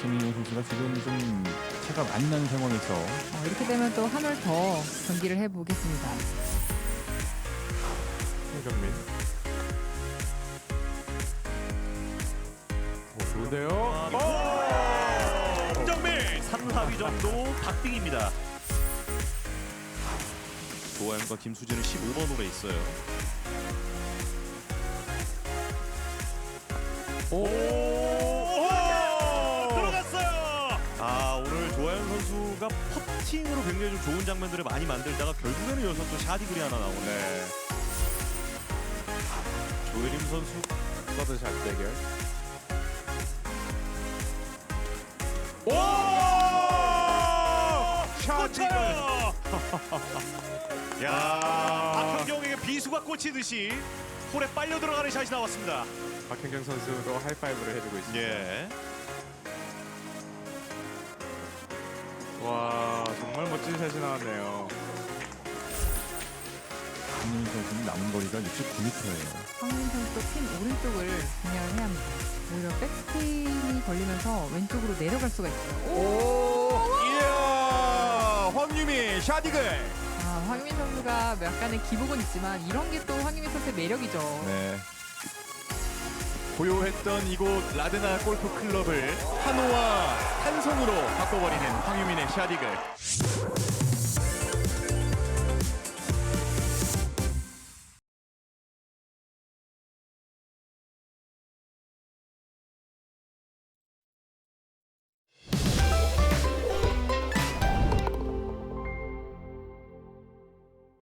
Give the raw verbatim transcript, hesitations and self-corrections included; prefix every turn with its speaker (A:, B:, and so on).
A: 박진희 선수가 지금 좀 차가 많이 나는 상황에서
B: 어, 이렇게 되면 또 한 올 더 경기를 해보겠습니다.
C: 홍정민. 오, 좋은데요?
D: 오! 홍정민 삼, 사 위 정도 박빙입니다. 조아영과 김수진은 십오 번으로 있어요.
C: 오!
D: 들어갔어요. 아, 오늘 조아영 선수가 퍼팅으로 굉장히 좀 좋은 장면들을 많이 만들다가 결국에는 여기서 또 샤디글이 하나 나오네. 조혜림 선수
C: 서드샷 대결.
D: 오!
C: 샤디글.
D: 야, 박현경에게 비수가 꽂히듯이 홀에 빨려 들어가는 샷이 나왔습니다.
C: 박현경 선수도 하이파이브를 해주고 있습니다.
D: 예.
C: 와, 정말 멋진 샷이 나왔네요.
A: 박진희 선수는 남은 거리가 육십구 미터예요.
B: 황민 선수도 핀 오른쪽을 분양을 해야 합니다. 오히려 백스핀이 걸리면서 왼쪽으로 내려갈 수가 있어요.
C: 오! 이야! 황유미 샤디글.
B: 아, 황민 선수가 약간의 기복은 있지만 이런 게 또 황민 선수의 매력이죠.
C: 네. 고요했던 이곳 라드나 골프 클럽을 한호와 한성으로 바꿔버리는 황유민의 샤디글.